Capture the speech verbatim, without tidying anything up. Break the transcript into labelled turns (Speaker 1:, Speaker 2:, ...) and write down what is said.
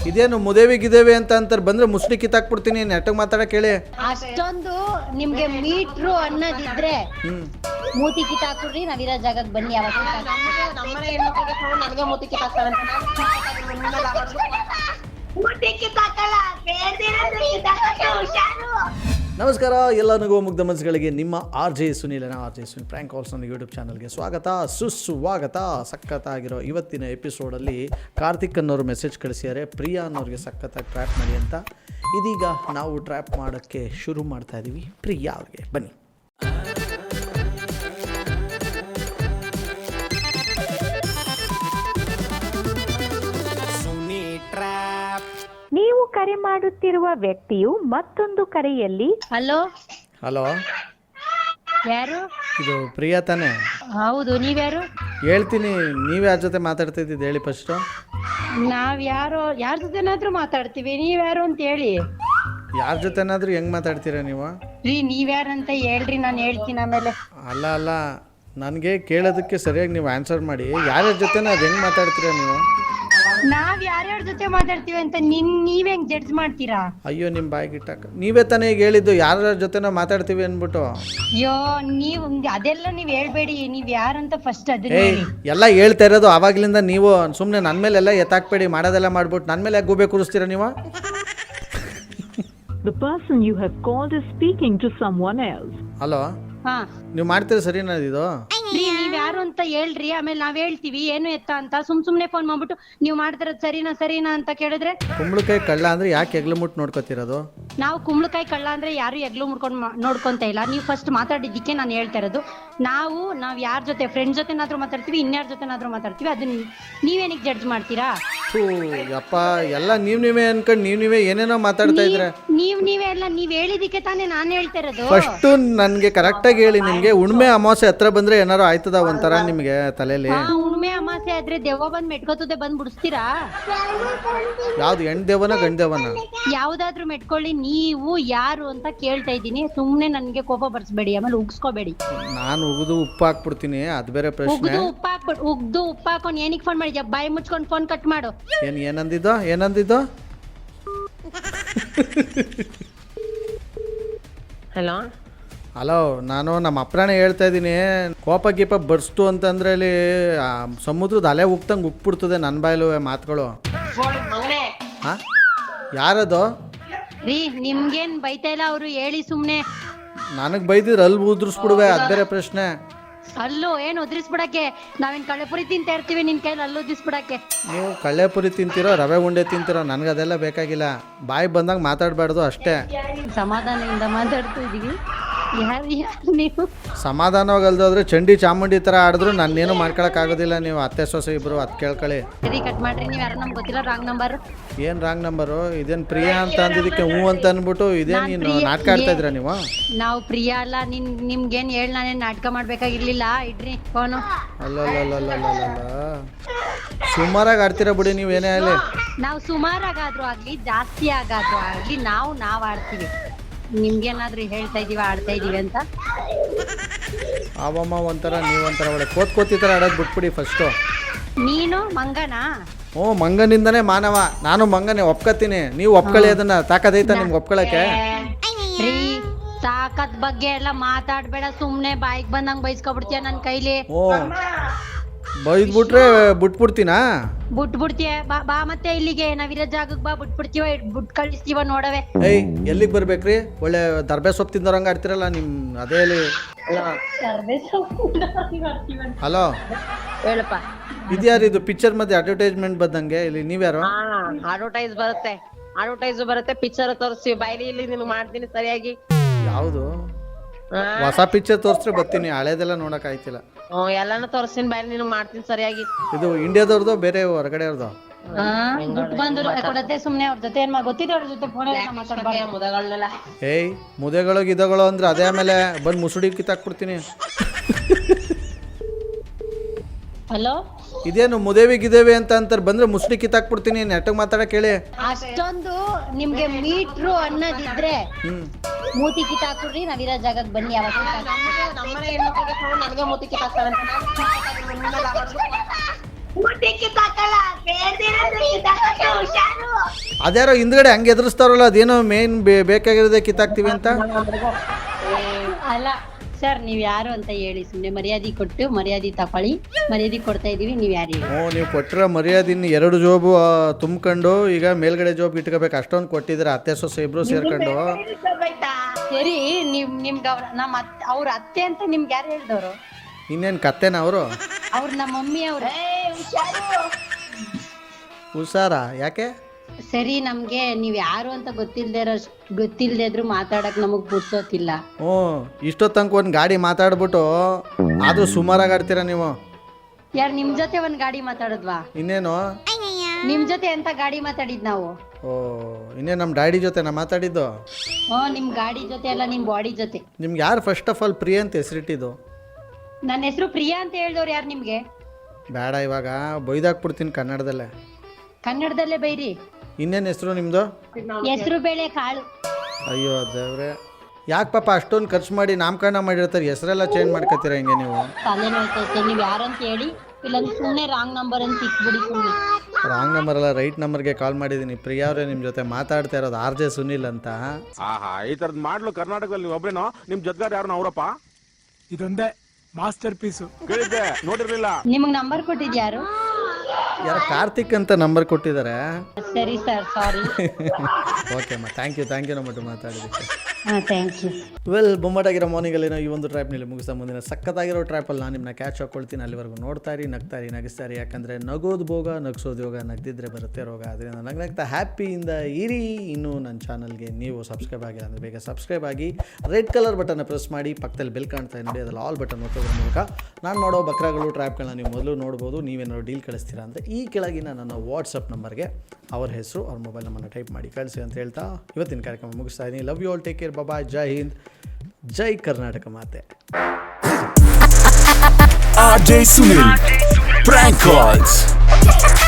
Speaker 1: ಇದೇನು ಮುದೇವಿ ಗಿದೇವಿ ಅಂತ ಅಂತಾರೆ, ಬಂದ್ರೆ ಮುಸ್ಲಿ ಕಿತ್ತಾಕ್ಬಿಡ್ತೀನಿ. ನೆಟ್ಟಗೆ ಮಾತಾಡಕ್ ಹೇಳಿ.
Speaker 2: ಅಷ್ಟೊಂದು ನಿಮ್ಗೆ ಮೀಟ್ರು ಅನ್ನೋದಿದ್ರೆ ಮೂತಿ ಕಿತ್ತಾಕ್ಬಿಡ್ರಿ, ನಾವಿರೋ ಜಾಗಕ್ಕೆ ಬನ್ನಿ. ಯಾವಾಗ
Speaker 3: ನಮ್ಮನೆ ಹೆಣ್ಮಕ್ಳಿಗೆ ನನಗೆ ಮೂತಿ ಕಿತ್ತಾಕ್ತಾರಂತ
Speaker 1: ನಮಸ್ಕಾರ ಎಲ್ಲ ನಗುವ ಮುಗ್ಧ ಮನಸ್ಸುಗಳಿಗೆ ನಿಮ್ಮ ಆರ್ ಜೆ ಸುನೀಲನ R J Sunil prank calls ನನ್ನ ಯೂಟ್ಯೂಬ್ ಚಾನಲ್ಗೆ ಸ್ವಾಗತ ಸುಸ್ವಾಗತ. ಸಖತ್ತಾಗಿರೋ ಇವತ್ತಿನ ಎಪಿಸೋಡಲ್ಲಿ ಕಾರ್ತಿಕ್ ಅನ್ನೋರು ಮೆಸೇಜ್ ಕಳಿಸಿದ್ದಾರೆ, ಪ್ರಿಯಾ ಅನ್ನೋರಿಗೆ ಸಖತ್ತಾಗಿ ಟ್ರ್ಯಾಪ್ ಮಾಡಿ ಅಂತ. ಇದೀಗ ನಾವು ಟ್ರ್ಯಾಪ್ ಮಾಡೋಕ್ಕೆ ಶುರು ಮಾಡ್ತಾ ಇದ್ದೀವಿ ಪ್ರಿಯಾ ಅವ್ರಿಗೆ. ಬನ್ನಿ.
Speaker 4: ನೀವು ಕರೆ ಮಾಡುತ್ತಿರುವ ವ್ಯಕ್ತಿಯು ಮತ್ತೊಂದು ಕರೆಯಲ್ಲಿ
Speaker 2: ಹಲೋ
Speaker 1: ಹಲೋ,
Speaker 2: ಯಾರು?
Speaker 1: ಇದು ಪ್ರಿಯಾ ತಾನೇ?
Speaker 2: ಹೌದು, ನೀವ್ಯಾರು?
Speaker 1: ಹೇಳ್ತೀನಿ, ನೀವು ಯಾರ ಜೊತೆ ಮಾತಾಡ್ತಾ ಇದ್ದಿದ್ದು ಹೇಳಿ ಫಸ್ಟು.
Speaker 2: ನಾವ್ ಯಾರೋ ಯಾರ ಜೊತೆನಾದ್ರೂ ಮಾತಾಡ್ತೀವಿ, ನೀವ್ಯಾರು ಅಂತ ಹೇಳಿ.
Speaker 1: ಯಾರ ಜೊತೆನಾದ್ರೂ ಹೆಂಗೆ ಮಾತಾಡ್ತೀರಾ ನೀವು?
Speaker 2: ರೀ ನೀವ್ಯಾರಂತ ಹೇಳ್ರಿ, ನಾನು ಹೇಳ್ತೀನಿ ಆಮೇಲೆ.
Speaker 1: ಅಲ್ಲ ಅಲ್ಲ, ನನಗೆ ಕೇಳೋದಕ್ಕೆ ಸರಿಯಾಗಿ ನೀವು ಆನ್ಸರ್ ಮಾಡಿ. ಯಾರ್ಯಾರ ಜೊತೆನ ಅದು ಹೆಂಗೆ ಮಾತಾಡ್ತೀರಾ ನೀವು?
Speaker 2: ನಾವ್ ಯಾರ್ಯಾರ ಜೊತೆ ಮಾತಾಡ್ತೀವಿ ಅಂತ ನಿನ್ ನೀವ್ ಹೆಂಗ್ ಜಡ್ಜ್ ಮಾಡ್ತೀರಾ?
Speaker 1: ಅಯ್ಯೋ, ನಿಮ್ಮ ಬಾಯಿಗೆ ಇಟ್ಟಾಕ ನೀವೇ ತಾನೇ ಈಗ ಹೇಳಿದ್ದು ಯಾರ್ಯಾರ ಜೊತೆನ ಮಾತಾಡ್ತೀವಿ ಅಂದ್ಬಿಟ್ಟು.
Speaker 2: ಅಯ್ಯೋ, ನೀವ್ ಅದೆಲ್ಲ ನೀವ್ ಹೇಳ್ಬೇಡಿ, ನೀವ್ ಯಾರಂತ ಫಸ್ಟ್ ಅದನ್ನ
Speaker 1: ಏಯ್,
Speaker 2: ಹೇಳಿ.
Speaker 1: ಎಲ್ಲ ಹೇಳ್ತಾ ಇರೋದು ಆವಾಗ್ಲಿಂದ. ನೀವು ಸುಮ್ಮನೆ ನನ್ನ ಮೇಲೆಲ್ಲ ಎತ್ತಾಕ್ಬೇಡಿ, ಮಾಡೋದೆಲ್ಲ ಮಾಡ್ಬಿಟ್ಟು ನನ್ನ ಮೇಲೆ ಯಾಕೆ ಗೂಬೆ ಕೂರಿಸ್ತೀರಾ ನೀವು?
Speaker 4: The person you have called is speaking to someone else.
Speaker 1: Hello,
Speaker 2: ಹಾ
Speaker 1: ನೀವು ಮಾಡ್ತೀರ ಸರಿನಾ ಇದು?
Speaker 2: ರೀ ನೀವ್ ಯಾರು ಅಂತ ಹೇಳ್ರಿ, ಆಮೇಲೆ ನಾವ್ ಹೇಳ್ತೀವಿ ಏನು ಎತ್ತ ಅಂತ. ಸುಮ್ ಸುಮ್ನೆ ಫೋನ್ ಮಾಡ್ಬಿಟ್ಟು ನೀವ್ ಮಾಡ್ತಿರೋದ್ ಸರಿನಾ ಸರಿನಾ ಅಂತ ಕೇಳಿದ್ರೆ
Speaker 1: ಕುಂಬಳಕಾಯಿ ಕಳ್ಳ ಅಂದ್ರೆ ಯಾಕೆ ಎಗ್ಲು ಮುಟ್ಟು ನೋಡ್ಕೋತಿರೋದು?
Speaker 2: ನಾವು ಕುಂಬಳಕಾಯಿ ಕಳ್ಳ ಅಂದ್ರೆ ಯಾರು ಎಗ್ಲು ಮುಡ್ಕೊಂಡ್ ನೋಡ್ಕೊಂತ ಇಲ್ಲ. ನೀವು ಫಸ್ಟ್ ಮಾತಾಡಿದ್ದಕ್ಕೆ ನಾನು ಹೇಳ್ತಾ ಇರೋದು. ನಾವು ನಾವ್ ಯಾರ ಜೊತೆ ಫ್ರೆಂಡ್ ಜೊತೆನಾದ್ರೂ ಮಾತಾಡ್ತೀವಿ, ಇನ್ಯಾರ ಜೊತೆನಾದ್ರೂ ಮಾತಾಡ್ತೀವಿ, ಅದನ್ನ ನೀವೇನಿಗೆ ಜಡ್ಜ್ ಮಾಡ್ತೀರಾ?
Speaker 1: ಥೂ ಯಪ್ಪ, ಎಲ್ಲ ನೀವ್ ನೀವೇ ಅನ್ಕೊಂಡು ನೀವ್ ನೀವೇ ಏನೇನೋ ಮಾತಾಡ್ತಾ ಇದ್ರೆ.
Speaker 2: ನೀವ್ ನೀವೇ ಎಲ್ಲ ನೀವ್ ಹೇಳಿದಿಕ್ಕೆ ತಾನೇ ನಾನ್ ಹೇಳ್ತಾ ಇರೋದು.
Speaker 1: ಫಸ್ಟ್ ನನ್ಗೆ ಕರೆಕ್ಟಾಗಿ ಹೇಳಿ, ನಿಮ್ಗೆ ಉಣ್ಮೆ ಅಮಾವಾಸ್ಯೆ ಹತ್ರ ಬಂದ್ರೆ ಏನಾರು ಆಯ್ತದ ಒಂಥರ ನಿಮ್ಗೆ ತಲೆಯಲ್ಲಿ?
Speaker 2: ಉಣ್ಮೆ ಅಮಾಸೆ ಆದ್ರೆ ದೆವ್ವ ಬಂದ್ ಮೆಟ್ಕೋತದೆ, ಬಂದ್ ಬಿಡಿಸ್ತೀರಾ?
Speaker 1: ಯಾವ್ದು, ಹೆಣ್ ದೇವನ ಗಂಡ್ ದೇವನ?
Speaker 2: ಯಾವ್ದಾದ್ರು ಮೆಟ್ಕೊಳ್ಳಿ. ನೀವು ಯಾರು ಅಂತ ಕೇಳ್ತಾ ಇದ್ದೀನಿ, ಸುಮ್ನೆ ನನ್ಗೆ ಕೋಪ ಬರ್ಸ್ಬೇಡಿ, ಆಮೇಲೆ ಉಗ್ಸ್ಕೋಬೇಡಿ.
Speaker 1: ನಾನು ಉಗಿದು ಉಪ್ಪು ಹಾಕ್ಬಿಡ್ತೀನಿ, ಅದು ಬೇರೆ ಪ್ರಶ್ನೆ.
Speaker 2: ಉಗ್ದು ಉಪ್ಪ ಹಾಕ್ಬಿಟ್ಟು ಉಗ್ದು ಉಪ್ಪ ಹಾಕೊಂಡು ಏನಿಗೆ ಫೋನ್ ಮಾಡಿದ್ಯಾ? ಬಾಯಿ ಮುಚ್ಕೊಂಡು ಫೋನ್ ಕಟ್ ಮಾಡು.
Speaker 1: ಏನ್ ಏನಂದಿದ್ದು ಏನಂದಿದ್ದು?
Speaker 3: ಹಲೋ
Speaker 1: ಹಲೋ, ನಾನು ನಮ್ಮ ಅಪ್ರಾಣೆ ಹೇಳ್ತಾ ಇದ್ದೀನಿ. ಕೋಪ ಗೀಪ ಬರ್ಸ್ತು ಅಂತಂದ್ರೆ ಇಲ್ಲಿ ಆ, ಸಮುದ್ರದ ಅಲೆ ಉಗ್ತಂಗೆ ಉಗ್ಬಿಡ್ತದೆ ನನ್ನ ಬಾಯಲು ಮಾತುಗಳು.
Speaker 3: ಮಗನೇ,
Speaker 1: ಹಾ, ಯಾರದು?
Speaker 2: ರೀ ನಿಮ್ಗೇನ್ ಬೈತಾ ಇಲ್ಲ, ಅವ್ರು ಹೇಳಿ ಸುಮ್ನೆ.
Speaker 1: ನನಗೆ ಬೈದಿದ್ರೆ ಅಲ್ಲಿ ಉದ್ರಿಸ್ಬಿಡುವೆ, ಅದು ಬೇರೆ ಪ್ರಶ್ನೆ.
Speaker 2: ಅಲ್ಲೂ ಏನ್ ಉದ್ರಿಸ್ಬಿಡಕ್ಕೆ? ನಾವೇನ್ ಕಳೆಪುರಿ ತಿಂತಾ ಇರ್ತೀವಿ ನಿನ್ ಕೈಲಿ ಅಲ್ಲೂ ಉದ್ರಿಸ್ಬಿಡಕ್ಕೆ?
Speaker 1: ನೀವು ಕಳ್ಳೆಪುರಿ ತಿಂತೀರೋ ರವೆ ಉಂಡೆ ತಿಂತೀರೋ, ನನಗೆ ಅದೆಲ್ಲ ಬೇಕಾಗಿಲ್ಲ. ಬಾಯಿ ಬಂದಾಗ ಮಾತಾಡಬಾರ್ದು ಅಷ್ಟೇ.
Speaker 2: ಸಮಾಧಾನದಿಂದ ಮಾತಾಡ್ತಾ ಇದೀವಿ. ಯಾರು ಯಾರು ನೀವು?
Speaker 1: ಸಮಾಧಾನವಾಗಿ ಅಲ್ದೋದ್ರೆ ಚಂಡಿ ಚಾಮುಂಡಿ ಥರ ಆಡಿದ್ರು ನನ್ನೇನು ಮಾಡ್ಕೊಳಕ್ಕಾಗೋದಿಲ್ಲ. ನೀವು ಅತ್ತೆ ಸೊಸೆ ಇಬ್ರು ಅದು ಕೇಳ್ಕೊಳ್ಳಿ.
Speaker 2: ಸರಿ ಕಟ್ ಮಾಡ್ರಿ. ನೀವು ಯಾರು ನಮ್ಗೆ ಗೊತ್ತಿಲ್ಲ, ರಾಂಗ್ ನಂಬರ್.
Speaker 1: ಏನು ರಾಂಗ್ ನಂಬರು? ಇದೇನು ಪ್ರಿಯಾ ಅಂತ ಅಂದಿದ್ದಕ್ಕೆ ಹ್ಞೂ ಅಂತ ಅಂದ್ಬಿಟ್ಟು ಇದೇನು ನೀನು ನಾಟಕ ಆಡ್ತಾ ಇದ್ರ ನೀವು?
Speaker 2: ನಾವು ಪ್ರಿಯಾ ಅಲ್ಲ. ನಿನ್ ನಿಮ್ಗೇನ್ ಹೇಳಿ ನಾನೇನ್ ನಾಟಕ ಮಾಡ್ಬೇಕಾಗಿರ್ಲಿಲ್ಲ. ಇಡ್ರಿ ಫೋನು.
Speaker 1: ಅಲ್ಲಲ್ಲಲ್ಲಲ್ಲಲ್ಲ, ಸುಮಾರಾಗಿ ಆಡ್ತೀರಾ ಬಿಡಿ ನೀವು, ಏನೇ ಆಗಲಿ.
Speaker 2: ನಾವು ಸುಮಾರಾಗಾದ್ರೂ ಆಗ್ಲಿ, ಜಾಸ್ತಿ ಆಗಾದ್ರೂ ಆಗ್ಲಿ, ನಾವು ನಾವ್ ಆಡ್ತೀವಿ. ನಿಮ್ಗೇನಾದ್ರೂ ಹೇಳ್ತಾ ಇದೀವ ಆಡ್ತಾ ಇದೀವಿ ಅಂತ?
Speaker 1: ಆವಮ್ಮ ಒಂಥರ, ನೀವೊಂಥರ ಒಳ್ಳೆ ಕೋತ್ ಕೋತಿ ಥರ ಆಡೋದು ಬಿಟ್ಬಿಡಿ ಫಸ್ಟು.
Speaker 2: ನೀನು ಮಂಗನಾ?
Speaker 1: ಹ್ಞೂ, ಮಂಗನಿಂದನೇ ಮಾನವ. ನಾನು ಮಂಗನೇ, ಒಪ್ಕೋತೀನಿ. ನೀವು ಒಪ್ಕೊಳ್ಳಿ, ಅದನ್ನ ತಾಕದೈತ ನಿಮ್ಗೆ ಒಪ್ಕೊಳ್ಳೋಕ್ಕೆ?
Speaker 2: ರೀ ತಾಕತ್ ಬಗ್ಗೆ ಎಲ್ಲ ಮಾತಾಡ್ಬೇಡ, ಸುಮ್ನೆ ಬಾಯಿಗೆ ಬಂದಂಗ್ ಬೈಸ್ಕೊಬಿಡ್ತೀಯ ನನ್ ಕೈಲಿ.
Speaker 1: ಓ, ಬೈದ್ಬಿಟ್ರೆ ಬಿಟ್ಬಿಡ್ತೀನಾ?
Speaker 2: ಬಿಟ್ಬಿಡ್ತೀಯ? ಬಾ ಬಾ ಮತ್ತೆ ಇಲ್ಲಿಗೆ, ನಾವಿರೋ ಜಾಗಕ್ಕೆ ಬಾ, ಬಿಟ್ಬಿಡ್ತೀವ, ಬಿಟ್ ಕಳಿಸ್ತೀವ ನೋಡವೆ.
Speaker 1: ಏಯ್, ಎಲ್ಲಿಗೆ ಬರ್ಬೇಕ್ರಿ? ಒಳ್ಳೆ ದರ್ಬೆ ಸೊಪ್ಪು ತಿಂದೋರಂಗೆ ಆಡ್ತಿರಲ್ಲ ನಿಮ್. ಅದೇ ಹೇಳಿ. ಹಲೋ,
Speaker 3: ಹೇಳಪ್ಪ.
Speaker 1: ಇದ್ಯಾರು ಇದು ಪಿಕ್ಚರ್ ಮಧ್ಯೆ ಅಡ್ವರ್ಟೈಸ್ಮೆಂಟ್ ಬಂದಂಗೆ? ಇಲ್ಲಿ ನೀವ್ಯಾರು?
Speaker 3: ಹಾ, ಅಡ್ವರ್ಟೈಸ್ ಬರುತ್ತೆ, ಅಡ್ವರ್ಟೈಸ್ ಬರುತ್ತೆ, ಪಿಕ್ಚರ್ ತೋರಿಸ್ತೀವಿ. ಬೈಲಿ ಇಲ್ಲಿ ನಿಮ್ಗೆ ಮಾಡ್ತೀನಿ ಸರಿಯಾಗಿ.
Speaker 1: ಯಾವುದು? ಹೊಸ ಪಿಕ್ಚರ್ ತೋರಿಸ್ರೆ ಬರ್ತೀನಿ, ಹಳೇದೆಲ್ಲ ನೋಡಕ್ ಆಯ್ತಿಲ್ಲ.
Speaker 3: ಹ್ಮ್, ಎಲ್ಲಾನು ತೋರಿಸ್ತೀನಿ, ಬೈಲಿ ನಿಮ್ಗೆ ಮಾಡ್ತೀನಿ ಸರಿಯಾಗಿ.
Speaker 1: ಇದು ಇಂಡಿಯಾದವ್ರದ್ದು ಬೇರೆ ಹೊರಗಡೆ ಅವ್ರದ್ದು?
Speaker 2: ಬಿಟ್ಟು ಬಂದು ಕೊಡತ್ತೆ ಸುಮ್ನೆ. ಅವ್ರ ಜೊತೆ ಏನ್ ಗೊತ್ತಿದೆ, ಅವ್ರ ಜೊತೆ ಫೋನ್ ಮಾತಾಡ್ಬಾರ್ದು.
Speaker 3: ಮುದಗಳನ್ನೆಲ್ಲ
Speaker 1: ಏಯ್, ಮುದೆಗಳು ಗಿದಗಳು ಅಂದ್ರೆ ಅದೇ ಆಮೇಲೆ ಬಂದು ಮುಸುಡಿ ಕಿತ್ತಾಕ್ಬಿಡ್ತೀನಿ.
Speaker 2: ಹಲೋ,
Speaker 1: ಇದೇನು ಮುದೇವಿ ಗಿದೇವಿ ಅಂತ ಅಂತಾರೆ, ಬಂದ್ರೆ ಮುಸುಡಿ ಕಿತ್ತಾಕ್ಬಿಡ್ತೀನಿ. ನೆಟ್ಟಗೆ ಮಾತಾಡಕ್ ಹೇಳಿ.
Speaker 2: ಅಷ್ಟೊಂದು ನಿಮ್ಗೆ ಮೀಟ್ರು ಅನ್ನೋದಿದ್ರೆ ಮೂತಿ ಕಿತ್ತಾಕ್ಬಿಡ್ರಿ, ನಾವಿರೋ ಜಾಗಕ್ಕೆ ಬನ್ನಿ. ಯಾವಾಗ
Speaker 3: ನಮ್ಮನೆ ಹೆಣ್ಮಕ್ಳಿಗೆ ನನಗೆ ಮೂತಿ ಕಿತ್ತಾಕ್ತಾರಂತ ಮೂತಿ ಕಿತ್ತಾಕಲ್ಲ, ಬೇರೆ ಹುಷಾರು.
Speaker 1: ಅದ್ಯಾರೋ ಹಿಂದ್ಗಡೆ ಹಂಗೆ ಎದುರಿಸ್ತಾರಲ್ಲ, ಅದೇನೋ ಮೇನ್ ಬೇಕಾಗಿರೋದೇ ಕಿತ್ತಾಕ್ತೀವಿ ಅಂತ.
Speaker 2: ಅಲ್ಲ ಸರ್, ನೀವ್ ಯಾರು ಅಂತ ಹೇಳಿ, ಸುಮ್ನೆ ಮರ್ಯಾದೆ ಕೊಟ್ಟು ಮರ್ಯಾದೆ ತಕೊಳ್ಳಿ. ಮರ್ಯಾದೆ ಕೊಡ್ತಾ ಇದೀವಿ, ನೀವ್ ಯಾರು ಹೇಳಿ.
Speaker 1: ಹ್ಞೂ, ನೀವು ಕೊಟ್ಟಿರೋ ಮರ್ಯಾದಿನ ಎರಡು ಜೋಬು ಆ, ತುಂಬ್ಕೊಂಡು ಈಗ ಮೇಲ್ಗಡೆ ಜೋಬ್ ಇಟ್ಕೋಬೇಕು, ಅಷ್ಟೊಂದು ಕೊಟ್ಟಿದ್ರೆ ಅತ್ತೆ ಸೊಸೆ ಇಬ್ರು ಸೇರ್ಕೊಂಡು.
Speaker 2: ಸರಿ, ನಿಮ್ ನಿಮ್ಗೆ ಅವ್ರ ನಮ್ಮ ಅತ್ತೆ ಅವ್ರ ಅತ್ತೆ ಅಂತ ನಿಮ್ಗೆ ಯಾರು ಹೇಳ್ದವ್ರು?
Speaker 1: ಇನ್ನೇನು ಕತ್ತೆನ ಅವರು?
Speaker 2: ಅವ್ರ ನಮ್ಮ ಮಮ್ಮಿ ಅವ್ರ.
Speaker 1: ಹುಷಾರ ಯಾಕೆ?
Speaker 2: ಸರಿ, ನಮ್ಗೆ ನೀವ್ ಯಾರು ಅಂತ ಗೊತ್ತಿಲ್ದೇ ಇರೋ ಗೊತ್ತಿಲ್ದೇ ಇದ್ರು ಮಾತಾಡಕ್ ನಮಗ್ ಬಿಡ್ಸೋತಿಲ್ಲ.
Speaker 1: ಹ್ಞೂ, ಇಷ್ಟೊತ್ತಂಕ ಒಂದು ಗಾಡಿ ಮಾತಾಡ್ಬಿಟ್ಟು ಅದು ಸುಮಾರಾಗಿ ಆಡ್ತೀರಾ ನೀವು.
Speaker 2: ಯಾರು ನಿಮ್ ಜೊತೆ ಒಂದ್ ಗಾಡಿ ಮಾತಾಡದ್ವಾ?
Speaker 1: ಇನ್ನೇನು?
Speaker 2: ನಿಮ್ ಜೊತೆ ಎಂತ ಗಾಡಿ ಮಾತಾಡಿದ್ ನಾವು?
Speaker 1: ಓ, ಇನ್ನೇನು ನಮ್ಮ ಡ್ಯಾಡಿ ಜೊತೆ ನಾ ಮಾತಾಡಿದ್ದು?
Speaker 2: ಹ್ಮ್, ನಿಮ್ ಗಾಡಿ ಜೊತೆ ಅಲ್ಲ, ನಿಮ್ ಬಾಡಿ ಜೊತೆ.
Speaker 1: ನಿಮ್ಗೆ ಯಾರು ಫಸ್ಟ್ ಆಫ್ ಆಲ್ ಪ್ರಿಯ ಅಂತ ಹೆಸರಿಟ್ಟಿದ್ದು?
Speaker 2: ನನ್ನ ಹೆಸರು ಪ್ರಿಯಾ ಅಂತ ಹೇಳ್ದವ್ರು ಯಾರು ನಿಮ್ಗೆ?
Speaker 1: ಬೇಡ, ಇವಾಗ ಬೈದಾಕ್ಬಿಡ್ತೀನಿ ಕನ್ನಡದಲ್ಲೇ.
Speaker 2: ಕನ್ನಡದಲ್ಲೇ ಬೈರಿ.
Speaker 1: ಇನ್ನೇನು ಹೆಸರು ನಿಮ್ಮದು?
Speaker 2: ಹೆಸರು ಬೇಳೆ ಕಾಳು.
Speaker 1: ಅಯ್ಯೋ ದೇವ್ರೆ, ಯಾಕೆ ಪಾಪ ಅಷ್ಟೊಂದು ಖರ್ಚು ಮಾಡಿ ನಾಮಕರಣ ಮಾಡಿರ್ತಾರೆ, ಹೆಸರೆಲ್ಲ ಚೇಂಜ್ ಮಾಡ್ಕೊತೀರ ಹಿಂಗೆ ನೀವು?
Speaker 2: ತಲೆ ನೋಯ್ತೈತೆ, ನೀವ್ ಯಾರಂತ ಹೇಳಿ, ಇಲ್ಲಾಂದ್ರೆ ಸುಮ್ಮನೆ ರಾಂಗ್ ನಂಬರ್ ಅಂತ ಇಟ್ಬಿಡಿ ಸುಮ್ಮನೆ.
Speaker 1: ರಾಂಗ್ ನಂಬರ್ ಅಲ್ಲ, ರೈಟ್ ನಂಬರ್ಗೆ ಕಾಲ್ ಮಾಡಿದ್ದೀನಿ. ಪ್ರಿಯಾ ಅವರೇ ನಿಮ್ಮ ಜೊತೆ ಮಾತಾಡ್ತಾ ಇರೋದು ಆರ್ ಜೆ ಸುನಿಲ್ ಅಂತ.
Speaker 5: ಆಹಾ, ಈ ತರದ್ ಮಾಡ್ಲು ಕರ್ನಾಟಕದಲ್ಲಿ ನೀವು ಒಬ್ರೇನೋ? ನಿಮ್ ಜೊತೆಗಾರ ಯಾರು ಅವರಪ್ಪ?
Speaker 6: ಇದೊಂದೇ ಮಾಸ್ಟರ್ ಪೀಸು.
Speaker 5: ಕೇಳಿದ್ದೆ, ನೋಡಿರ್ಲಿಲ್ಲ.
Speaker 2: ನಿಮಗ್ ನಂಬರ್ ಕೊಟ್ಟಿದ್ಯಾರು?
Speaker 1: ಯಾರು ಕಾರ್ತಿಕ್ ಅಂತ ನಂಬರ್ ಕೊಟ್ಟಿದ್ದಾರೆ.
Speaker 2: ಸರಿ ಸರ್, ಸಾರಿ.
Speaker 1: ಓಕೆ ಅಮ್ಮ, ಥ್ಯಾಂಕ್ ಯು ಥ್ಯಾಂಕ್ ಯು ನಮ್ಮಟ್ಟು ಮಾತಾಡಿದ್ದಕ್ಕೆ.
Speaker 2: ಹಾ, ಥ್ಯಾಂಕ್ ಯು.
Speaker 1: ವೆಲ್, ಬೊಂಬಾಟಾಗಿರೋ ಮಾರ್ನಿಂಗಲ್ಲಿ ನಾವು ಈ ಒಂದು ಟ್ರ್ಯಾಪ್ನಲ್ಲಿ ಮುಗಿಸ್ತಾ ಮುಂದಿನ ಸಕ್ಕತ್ತಾಗಿರೋ ಟ್ರ್ಯಾಪಲ್ಲಿ ನಾನು ನಿಮ್ಮನ್ನ ಕ್ಯಾಚ್ ಹಾಕ್ಕೊಳ್ತೀನಿ. ಅಲ್ಲಿವರೆಗೂ ನೋಡ್ತಾ ಇರಿ, ನಗ್ತಾ ಇರಿ, ನಗಿಸ್ತಾ ಇರಿ. ಯಾಕಂದರೆ ನಗೋದು ಭೋಗ, ನಗಿಸೋದು ಯೋಗ, ನಗ್ದಿದ್ರೆ ಬರುತ್ತೆ ರೋಗ. ಅದರಿಂದ ನಗ್ ನಗ್ತಾ ಹ್ಯಾಪಿಯಿಂದ ಇರಿ. ಇನ್ನೂ ನನ್ನ ಚಾನಲ್ಗೆ ನೀವು ಸಬ್ಸ್ಕ್ರೈಬ್ ಆಗಿಲ್ಲ ಅಂದರೆ ಬೇಗ ಸಬ್ಸ್ಕ್ರೈಬ್ ಆಗಿ, ರೆಡ್ ಕಲರ್ ಬಟನ್ನ ಪ್ರೆಸ್ ಮಾಡಿ, ಪಕ್ಕದಲ್ಲಿ ಬೆಲ್ ಕಾಣ್ತಾ ನೋಡಿ, ಅದರಲ್ಲಿ ಆಲ್ ಬಟನ್ ಒತ್ತೋದ್ರ ಮೂಲಕ ನಾನು ಮಾಡೋ ಬಕ್ರಾಗಳು ಟ್ರ್ಯಾಪ್ಗಳನ್ನ ನೀವು ಮೊದಲು ನೋಡ್ಬೋದು. ನೀವೇನಾದ್ರು ಡೀಲ್ ಕಳಿಸ್ತೀರಾ ಅಂದರೆ ಈ ಕೆಳಗಿನ ನನ್ನ ವಾಟ್ಸಪ್ ನಂಬರ್ಗೆ ಅವ್ರ ಹೆಸರು, ಅವ್ರ ಮೊಬೈಲ್ ನಂಬರ್ನ ಟೈಪ್ ಮಾಡಿ ಕಳಿಸಿ ಅಂತ ಹೇಳ್ತಾ ಇವತ್ತಿನ ಕಾರ್ಯಕ್ರಮ ಮುಗಿಸ್ತಾ ಇದ್ದೀನಿ. Love you all, take care, bye, ಜೈ ಹಿಂದ್, ಜೈ ಕರ್ನಾಟಕ ಮಾತೆ.
Speaker 7: R J Sunil Prank Calls.